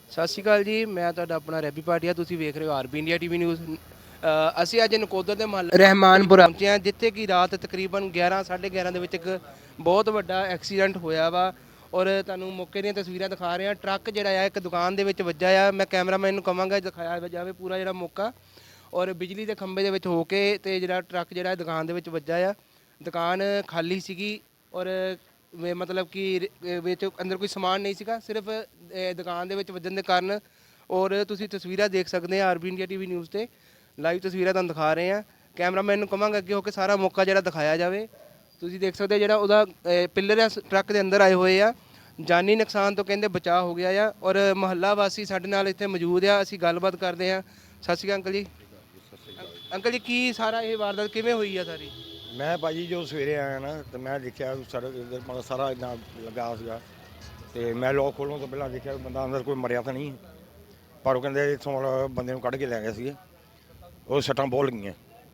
ਸਤਿ ਸ਼੍ਰੀ ਅਕਾਲ ਜੀ, ਮੈਂ ਤੁਹਾਡਾ ਆਪਣਾ ਰੈਬੀ ਭਾਟੀਆ। ਤੁਸੀਂ ਵੇਖ ਰਹੇ ਹੋ ਆਰਬੀ ਇੰਡੀਆ ਟੀਵੀ ਨਿਊਜ਼। ਅਸੀਂ ਅੱਜ ਨਕੋਦਰ ਦੇ ਮਹੱਲੇ ਰਹਿਮਾਨਪੁਰਾ ਪਹੁੰਚੇ ਹਾਂ, ਜਿੱਥੇ ਕਿ ਰਾਤ ਤਕਰੀਬਨ 11 11:30 ਦੇ ਵਿੱਚ ਇੱਕ ਬਹੁਤ ਵੱਡਾ ਐਕਸੀਡੈਂਟ ਹੋਇਆ ਵਾ। ਔਰ ਤੁਹਾਨੂੰ ਮੌਕੇ ਦੀਆਂ ਤਸਵੀਰਾਂ ਦਿਖਾ ਰਹੇ ਹਾਂ। ਟਰੱਕ ਜਿਹੜਾ ਆ ਇੱਕ ਦੁਕਾਨ ਦੇ ਵਿੱਚ ਵੱਜਾ ਆ। ਮੈਂ ਕੈਮਰਾਮੈਨ ਨੂੰ ਕਹਾਂਗਾ ਦਿਖਾਇਆ ਜਾਵੇ ਪੂਰਾ ਜਿਹੜਾ ਮੌਕਾ। ਔਰ ਬਿਜਲੀ ਦੇ ਖੰਭੇ ਦੇ ਵਿੱਚ ਹੋ ਕੇ ਤੇ ਜਿਹੜਾ ਟਰੱਕ ਜਿਹੜਾ ਦੁਕਾਨ ਦੇ ਵਿੱਚ ਵੱਜਾ ਆ। ਦੁਕਾਨ ਖਾਲੀ ਸੀਗੀ ਔਰ ਮਤਲਬ ਕਿ ਵਿੱਚ ਅੰਦਰ ਕੋਈ ਸਮਾਨ ਨਹੀਂ ਸੀਗਾ, ਸਿਰਫ ਦੁਕਾਨ ਦੇ ਵਿੱਚ ਵੱਜਣ ਦੇ ਕਾਰਨ। ਔਰ ਤੁਸੀਂ ਤਸਵੀਰਾਂ ਦੇਖ ਸਕਦੇ ਆ ਆਰਬੀ ਇੰਡੀਆ ਟੀਵੀ ਨਿਊਜ਼ ਤੇ ਲਾਈਵ ਤਸਵੀਰਾਂ ਤੁਹਾਨੂੰ ਦਿਖਾ ਰਹੇ ਆ। ਕੈਮਰਾਮੈਨ ਨੂੰ ਕਹਾਂਗਾ ਅੱਗੇ ਹੋ ਕੇ ਸਾਰਾ ਮੌਕਾ ਜਿਹੜਾ ਦਿਖਾਇਆ ਜਾਵੇ। ਤੁਸੀਂ ਦੇਖ ਸਕਦੇ ਜਿਹੜਾ ਉਹਦਾ ਪਿੱਲਰ ਆ ਟਰੱਕ ਦੇ ਅੰਦਰ ਆਏ ਹੋਏ ਆ। ਜਾਨੀ ਨੁਕਸਾਨ ਤੋਂ ਕਹਿੰਦੇ ਬਚਾਅ ਹੋ ਗਿਆ ਆ। ਔਰ ਮੁਹੱਲਾ ਵਾਸੀ ਸਾਡੇ ਨਾਲ ਇੱਥੇ ਮੌਜੂਦ ਆ, ਅਸੀਂ ਗੱਲਬਾਤ ਕਰਦੇ ਆ। ਸਤਿ ਸ਼੍ਰੀ ਅਕਾਲ ਅੰਕਲ ਜੀ। ਅੰਕਲ ਜੀ, ਕੀ ਸਾਰਾ ਇਹ ਵਾਰਦਾਤ ਕਿਵੇਂ ਹੋਈ ਆ ਸਾਰੀ? ਮੈਂ ਭਾਜੀ ਜੋ ਸਵੇਰੇ ਆਇਆ ਨਾ ਤੇ ਮੈਂ ਦੇਖਿਆ ਮਤਲਬ ਸਾਰਾ ਇੰਨਾ ਲੱਗਾ ਸੀਗਾ ਤੇ ਮੈਂ ਲੋਕ ਖੋਲ੍ਹਣ ਤੋਂ ਪਹਿਲਾਂ ਦੇਖਿਆ ਬੰਦਾ ਅੰਦਰ ਕੋਈ ਮਰਿਆ ਤਾਂ ਨਹੀਂ, ਪਰ ਉਹ ਕਹਿੰਦੇ ਇੱਥੋਂ ਬੰਦੇ ਨੂੰ ਕੱਢ ਕੇ ਲੈ ਗਏ ਸੀਗੇ। ਉਹ ਸੱਟਾਂ ਬਹੁਤ ਲੱਗੀਆਂ।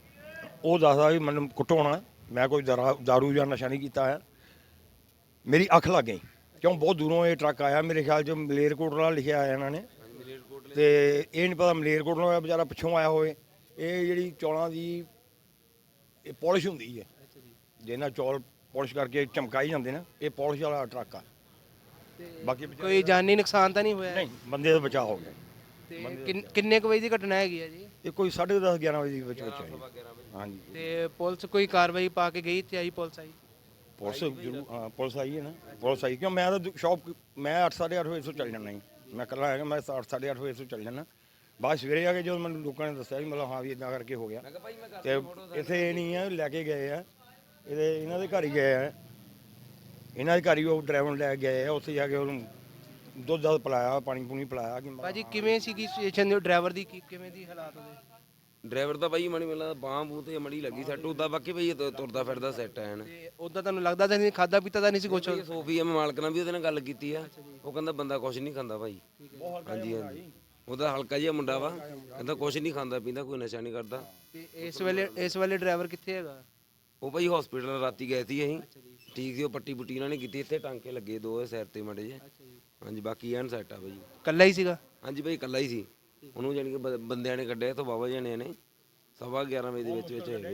ਉਹ ਦੱਸਦਾ ਵੀ ਮੈਨੂੰ ਕੁੱਟੋ ਹੋਣਾ, ਮੈਂ ਕੋਈ ਦਾਰੂ ਜਾਂ ਨਸ਼ਾ ਨਹੀਂ ਕੀਤਾ ਹੈ। ਮੇਰੀ ਅੱਖ ਲੱਗ ਗਈ ਕਿਉਂ ਬਹੁਤ ਦੂਰੋਂ ਇਹ ਟਰੱਕ ਆਇਆ। ਮੇਰੇ ਖਿਆਲ 'ਚ ਮਲੇਰਕੋਟਲਾ ਲਿਖਿਆ ਆਇਆ ਇਹਨਾਂ ਨੇ, ਤੇ ਇਹ ਨਹੀਂ ਪਤਾ ਮਲੇਰਕੋਟਲਾ ਹੋਇਆ ਵਿਚਾਰਾ ਪਿੱਛੋਂ ਆਇਆ ਹੋਵੇ। ਇਹ ਜਿਹੜੀ ਚੌਲਾਂ ਦੀ ਇਹ ਪੋਲਿਸ਼ ਹੁੰਦੀ ਹੈ, ਜਿਹਨਾਂ ਚੌਲ ਪੋਲਿਸ਼ ਕਰਕੇ ਚਮਕਾਈ ਜਾਂਦੇ ਨੇ, ਇਹ ਪੋਲਿਸ਼ ਵਾਲਾ ਟਰੱਕ ਆ। ਬਾਕੀ ਕੋਈ ਜਾਨੀ ਨੁਕਸਾਨ ਤਾਂ ਨਹੀਂ ਹੋਇਆ? ਨਹੀਂ, ਬੰਦੇ ਦਾ ਬਚਾਅ ਹੋ ਗਿਆ। ਤੇ ਕਿੰਨੇ ਕੁ ਵਜੇ ਦੀ ਘਟਨਾ ਹੈਗੀ ਆ ਜੀ? ਇਹ ਕੋਈ 10:30 11 ਵਜੇ ਦੇ ਵਿੱਚ ਹੈ। ਹਾਂਜੀ। ਤੇ ਪੁਲਿਸ ਕੋਈ ਕਾਰਵਾਈ ਪਾ ਕੇ ਗਈ ਤੇ ਆਈ ਪੁਲਿਸ ਆਈ? ਪੁਲਿਸ ਜ਼ਰੂਰ, ਹਾਂ ਪੁਲਿਸ ਆਈ ਹੈ ਨਾ। ਪੁਲਿਸ ਆਈ ਕਿਉਂ ਮੈਂ ਤਾਂ ਸ਼ੌਪ ਮੈਂ 8 8:30 ਵਜੇ ਤੋਂ ਚੱਲ ਜਾਣਾ ਜੀ। ਮੈਂ ਇਕੱਲਾ ਹੈਗਾ, ਮੈਂ 8 8:30 ਵਜੇ ਤੋਂ ਚੱਲ ਜਾਣਾ। ਬਾਅਦ ਸਵੇਰੇ ਆ ਕੇ ਜਦੋਂ ਮੈਨੂੰ ਲੋਕਾਂ ਨੇ ਦੱਸਿਆ ਵੀ ਮਤਲਬ ਹਾਂ ਵੀ ਇੱਦਾਂ ਕਰਕੇ ਹੋ ਗਿਆ, ਤੇ ਇੱਥੇ ਇਹ ਨਹੀਂ ਆ ਲੈ ਕੇ ਗਏ ਆ, ਇਹਨਾਂ ਦੇ ਘਰ ਹੀ ਗਏ ਆ। ਇਹਨਾਂ ਦੇ ਘਰ ਹੀ ਉਹ ਡਰਾਈਵਰ ਨੂੰ ਲੈ ਕੇ ਗਏ ਆ। ਉੱਥੇ ਜਾ ਕੇ ਉਹਨੂੰ ਦੁੱਧ ਦੱਧ ਪਿਲਾਇਆ, ਪਾਣੀ ਪੂਣੀ ਪਿਲਾਇਆ। ਭਾਜੀ ਕਿਵੇਂ ਸੀਗੀ ਸਿਚੁਏਸ਼ਨ ਦੇ ਡਰਾਈਵਰ ਦੀ, ਕਿਵੇਂ ਦੀ ਹਾਲਾਤ ਉਹਦੇ? ਡਰਾਈਵਰ ਤਾਂ ਬਾਈ ਮਣੀ ਮਿਲਦਾ ਬਾਂਹ ਬੂਹ ਤੇ ਮੜੀ ਲੱਗੀ ਸੈੱਟ ਉਦਾਂ, ਬਾਕੀ ਬਈ ਤੁਰਦਾ ਫਿਰਦਾ ਸੈੱਟ ਹੈ ਨਾ। ਤੇ ਉਦਾਂ ਤੁਹਾਨੂੰ ਲੱਗਦਾ ਤਾਂ ਨਹੀਂ ਖਾਦਾ ਪੀਤਾ ਤਾਂ ਨਹੀਂ ਸੀ ਕੁਛ? ਸੋਫੀ ਐਮ ਮਾਲਕ ਨਾਲ ਵੀ ਉਹਦੇ ਨਾਲ ਗੱਲ ਕੀਤੀ ਆ, ਉਹ ਕਹਿੰਦਾ ਬੰਦਾ ਕੁਛ ਨਹੀਂ ਖਾਂਦਾ ਭਾਈ। ਹਾਂਜੀ ਹਾਂਜੀ, ਉਹਦਾ ਹਲਕਾ ਜਿਹਾ ਮੁੰਡਾ ਵਾ, ਕਹਿੰਦਾ ਕੁਛ ਨਹੀਂ ਖਾਂਦਾ ਪੀਂਦਾ, ਕੋਈ ਨਸ਼ਾ ਨਹੀਂ ਕਰਦਾ। ਤੇ ਇਸ ਵੇਲੇ ਡਰਾਈਵਰ ਕਿੱਥੇ ਹੈਗਾ? ਉਹ ਭਾਈ ਹਸਪੀਟਲ ਰਾਤੀ ਗਏ ਸੀ ਅਸੀਂ, ਠੀਕ ਸੀ। ਉਹ ਪੱਟੀ ਪੁੱਟੀ ਇਹਨਾਂ ਨੇ ਕੀਤੀ, ਇੱਥੇ ਟਾਂਕੇ ਲੱਗੇ ਦੋ ਸਿਰ ਤੇ ਮੜੇ ਜੇ। ਹਾਂਜੀ, ਬਾਕੀ ਐਨ ਸੈੱਟ ਆ ਭਾਈ। ਇਕੱਲਾ ਹੀ ਸੀਗਾ? ਹਾਂਜੀ ਭਾਈ ਇਕੱਲਾ ਹੀ ਸੀ। ਉਹਨੂੰ ਜਾਣੀ ਕਿ ਬੰਦਿਆਂ ਨੇ ਕੱਢਿਆ ਇੱਥੋਂ, ਬਾਬਾ ਜਣਿਆਂ ਨੇ 11:15 ਵਜੇ ਦੇ ਵਿੱਚ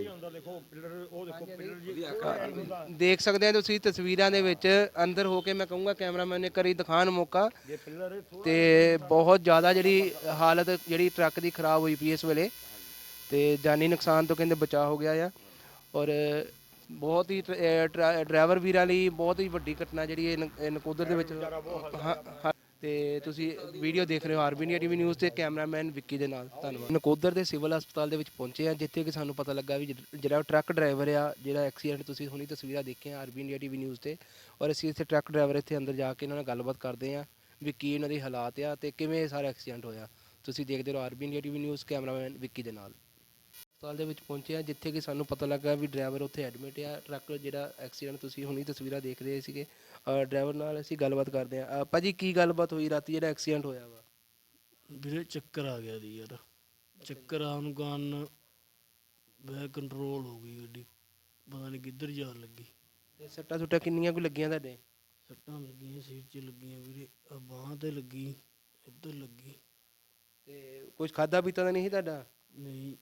ਦੇਖ ਸਕਦੇ ਆ ਤੁਸੀਂ ਤਸਵੀਰਾਂ ਦੇ ਵਿੱਚ। ਅੰਦਰ ਹੋ ਕੇ ਮੈਂ ਕਹੂੰਗਾ ਕੈਮਰਾਮੈਨ ਨੇ ਕਰੀ ਦਿਖਾਣ ਮੌਕਾ। ਤੇ ਬਹੁਤ ਜ਼ਿਆਦਾ ਜਿਹੜੀ ਹਾਲਤ ਜਿਹੜੀ ਟਰੱਕ ਦੀ ਖਰਾਬ ਹੋਈ ਪਈ ਇਸ ਵੇਲੇ, ਤੇ ਜਾਨੀ ਨੁਕਸਾਨ ਤੋਂ ਕਹਿੰਦੇ ਬਚਾਅ ਹੋ ਗਿਆ ਆ। ਔਰ ਬਹੁਤ ਹੀ ਡਰਾਈਵਰ ਵੀਰਾਂ ਲਈ ਬਹੁਤ ਹੀ ਵੱਡੀ ਘਟਨਾ ਜਿਹੜੀ ਇਹ ਨਕੋਦਰ ਦੇ ਵਿੱਚ। ਤੇ ਤੁਸੀਂ ਵੀਡੀਓ ਦੇਖ ਰਹੇ ਹੋ ਆਰਬੀ ਇੰਡੀਆ ਟੀਵੀ ਨਿਊਜ਼ ਤੇ ਕੈਮਰਾਮੈਨ ਵਿੱਕੀ ਦੇ ਨਾਲ। ਧੰਨਵਾਦ। ਨਕੋਦਰ ਦੇ ਸਿਵਲ ਹਸਪਤਾਲ ਦੇ ਵਿੱਚ ਪਹੁੰਚੇ ਆ, ਜਿੱਥੇ ਕਿ ਸਾਨੂੰ ਪਤਾ ਲੱਗਾ ਵੀ ਜਿਹੜਾ ਟਰੱਕ ਡਰਾਈਵਰ ਆ, ਜਿਹੜਾ ਐਕਸੀਡੈਂਟ ਤੁਸੀਂ ਹੁਣੀ ਤਸਵੀਰਾਂ ਦੇਖੀਆਂ ਆਰਬੀ ਇੰਡੀਆ ਟੀਵੀ ਨਿਊਜ਼ ਤੇ। ਔਰ ਅਸੀਂ ਇੱਥੇ ਟਰੱਕ ਡਰਾਈਵਰ ਇੱਥੇ ਅੰਦਰ ਜਾ ਕੇ ਇਹਨਾਂ ਨਾਲ ਗੱਲਬਾਤ ਕਰਦੇ ਆ ਵੀ ਕੀ ਇਹਨਾਂ ਦੇ ਹਾਲਾਤ ਆ ਤੇ ਕਿਵੇਂ ਸਾਰਾ ਐਕਸੀਡੈਂਟ ਹੋਇਆ। ਤੁਸੀਂ ਦੇਖਦੇ ਰਹੋ RB India TV news, cameraman Vicky ਦੇ ਨਾਲ। ਹਸਪਤਾਲ ਦੇ ਵਿੱਚ ਪਹੁੰਚੇ ਆ, ਜਿੱਥੇ ਕਿ ਸਾਨੂੰ ਪਤਾ ਲੱਗਾ ਵੀ ਡਰਾਈਵਰ ਉੱਥੇ ਐਡਮਿਟ ਆ। ਟਰੱਕ ਜਿਹੜਾ ਐਕਸੀਡੈਂਟ ਤੁਸੀਂ ਹੁਣੀ ਤਸਵੀਰਾਂ ਦੇਖ ਰਹੇ ਸੀਗੇ, ਡਰਾਈਵਰ ਨਾਲ ਅਸੀਂ ਗੱਲਬਾਤ ਕਰਦੇ ਆ। ਭਾਜੀ ਕੀ ਗੱਲਬਾਤ ਹੋਈ ਰਾਤੀ ਜਿਹੜਾ ਐਕਸੀਡੈਂਟ ਹੋਇਆ ਵਾ? ਵੀਰੇ ਚੱਕਰ ਆ ਗਿਆ ਦੀ ਯਾਰ, ਚੱਕਰ ਆਉਣ ਕਾਰਨ ਵੈ ਕੰਟਰੋਲ ਹੋ ਗਈ ਗੱਡੀ, ਪਤਾ ਨਹੀਂ ਕਿੱਧਰ ਜਾਣ ਲੱਗੀ। ਤੇ ਸੱਟਾਂ ਸੁੱਟਾਂ ਕਿੰਨੀਆਂ ਕੁ ਲੱਗੀਆਂ ਤੁਹਾਡੇ? ਸੱਟਾਂ ਲੱਗੀਆਂ ਸਿਰ 'ਚ ਲੱਗੀਆਂ ਵੀਰੇ, ਆ ਬਾਂਹ ਤੇ ਲੱਗੀ, ਇੱਧਰ ਲੱਗੀ। ਤੇ ਕੁਝ ਖਾਦਾ ਪੀਤਾ ਤਾਂ ਨਹੀਂ ਸੀ ਤੁਹਾਡਾ? ਨਹੀਂ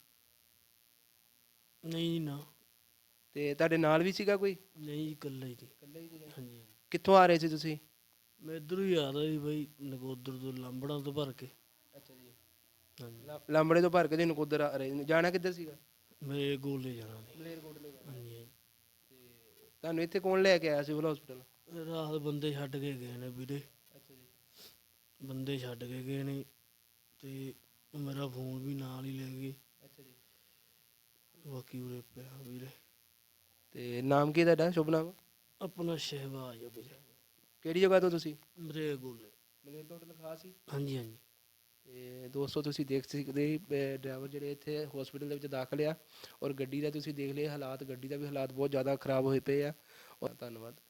ਨਹੀਂ ਨਾ। ਤੇ ਤੁਹਾਡੇ ਨਾਲ ਵੀ ਸੀਗਾ ਕੋਈ? ਨਹੀਂ ਇਕੱਲਾ ਹੀ ਸੀ। ਹਾਂਜੀ। ਕਿੱਥੋਂ ਆ ਰਹੇ ਸੀ ਤੁਸੀਂ? ਮੈਂ ਇੱਧਰੋਂ ਹੀ ਆ ਰਿਹਾ ਸੀ ਬਾਈ, ਨਕੋਦਰ ਤੋਂ ਲਾਂਬੜਾਂ ਤੋਂ ਭਰ ਕੇ। ਅੱਛਾ ਜੀ। ਹਾਂਜੀ। ਲਾਂਬੜੇ ਤੋਂ ਭਰ ਕੇ ਨਕੋਦਰ ਆ ਰਹੇ? ਜਾਣਾ ਕਿੱਧਰ ਸੀਗਾ? ਮੇਰੇ ਗੋਲੇ ਜਾਣਾ ਸੀ। ਮਲੇਰਕੋਟਲੇ ਜਾਣਾ। ਹਾਂਜੀ। ਤੇ ਤੁਹਾਨੂੰ ਇੱਥੇ ਕੌਣ ਲੈ ਕੇ ਆਇਆ ਸਿਵਲ ਹਸਪੀਟਲ? ਰਾਤ ਬੰਦੇ ਛੱਡ ਕੇ ਗਏ ਨੇ ਵੀਰੇ। ਅੱਛਾ ਜੀ। ਬੰਦੇ ਛੱਡ ਕੇ ਗਏ ਨੇ ਤੇ ਮੇਰਾ ਫੋਨ ਵੀ ਨਾਲ ਹੀ ਲੈ ਗਏ। ਅੱਛਾ ਜੀ। ਬਾਕੀ ਉਰੇ ਪਿਆ ਵੀਰੇ। ਤੇ ਨਾਮ ਕੀ ਤੁਹਾਡਾ, ਸ਼ੁਭ ਨਾਮ? ਆਪਣਾ ਸ਼ਹਿਬਾਜ਼ ਆ ਵੀਰੇ। ਕਿਹੜੀ ਜਗ੍ਹਾ ਤੋਂ ਤੁਸੀਂ? ਮੇਰੇ ਗੋਲੇ। ਮਲੇਰਕੋਟਲੇ ਖਾਸ ਹੀ? ਹਾਂਜੀ ਹਾਂਜੀ। ਤੇ ਦੋਸਤੋ ਤੁਸੀਂ ਦੇਖ ਸਕਦੇ ਡਰਾਈਵਰ ਜਿਹੜੇ ਇੱਥੇ ਹਸਪੀਟਲ ਦੇ ਵਿੱਚ ਦਾਖਲ ਆ। ਔਰ ਗੱਡੀ ਦਾ ਤੁਸੀਂ ਦੇਖ ਲਿਆ ਹਾਲਾਤ, ਗੱਡੀ ਦਾ ਵੀ ਹਾਲਾਤ ਬਹੁਤ ਜ਼ਿਆਦਾ ਖਰਾਬ ਹੋਏ ਪਏ ਆ। ਔਰ ਧੰਨਵਾਦ।